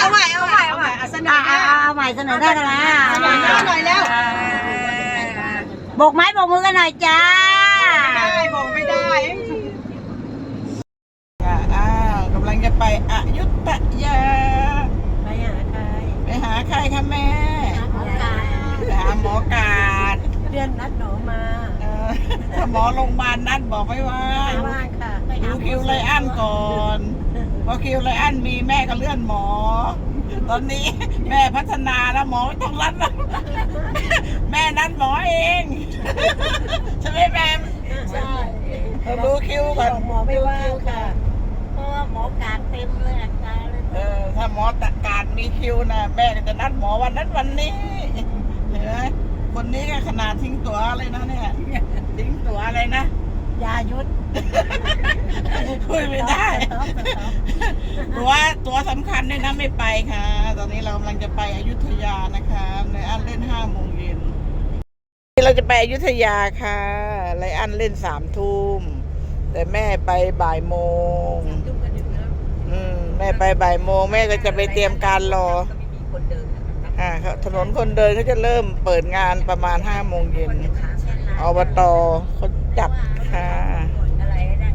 เอาใหม่เสนอหน้าเอาใหม่เสนอหน้ากันนะเสนอหน้าหน่อยแล้วโบกไม้โบกมือกันหน่อยจ้าบอกไม่ได้กำลังจะไปอยุธยาไปหาใครคะแม่ไปหาหมอกาดเดือนนัดหนูมาถ้าหมอโรงพยาบาลนัดบอกไม่ว่างค่ะดูคิวไลอันก่อนพอคิวไลอันมีแม่ก็เลื่อนหมอตอนนี้แม่พัฒนาแล้วหมอไม่ต้องรัดแล้วแม่นัดหมอเองใช่ไหมแม่ใช่ดูคิวก่อนหมอไม่ว่างค่ะเพราะว่าหมอการเต็มเลยอาการเลยถ้าหมอตัดการมีคิวนะแม่ก็จะนัดหมอวันนั้นวันนี้เห็นไหมคนนี้ก็ขนาดทิ้งตั๋วเลยนะเนี่ยทิ้งตั๋วอะไรนะยายุทธพูดไม่ได้ตัวสำคัญด้วยนะไม่ไปค่ะตอนนี้เรากำลังจะไปอยุธยานะคะในอันเล่น5 โมงเย็นเราจะไปอยุธยาค่ะไลอันเล่น3 ทุ่มแต่แม่ไปบ่ายโมงแม่ไปบ่ายโมงแม่ก็จะไปเตรียมการรอถนนคนเดินเขาจะเริ่มเปิดงานประมาณ5 โมงเย็นอบตเขาจัดค่ะอะไรได้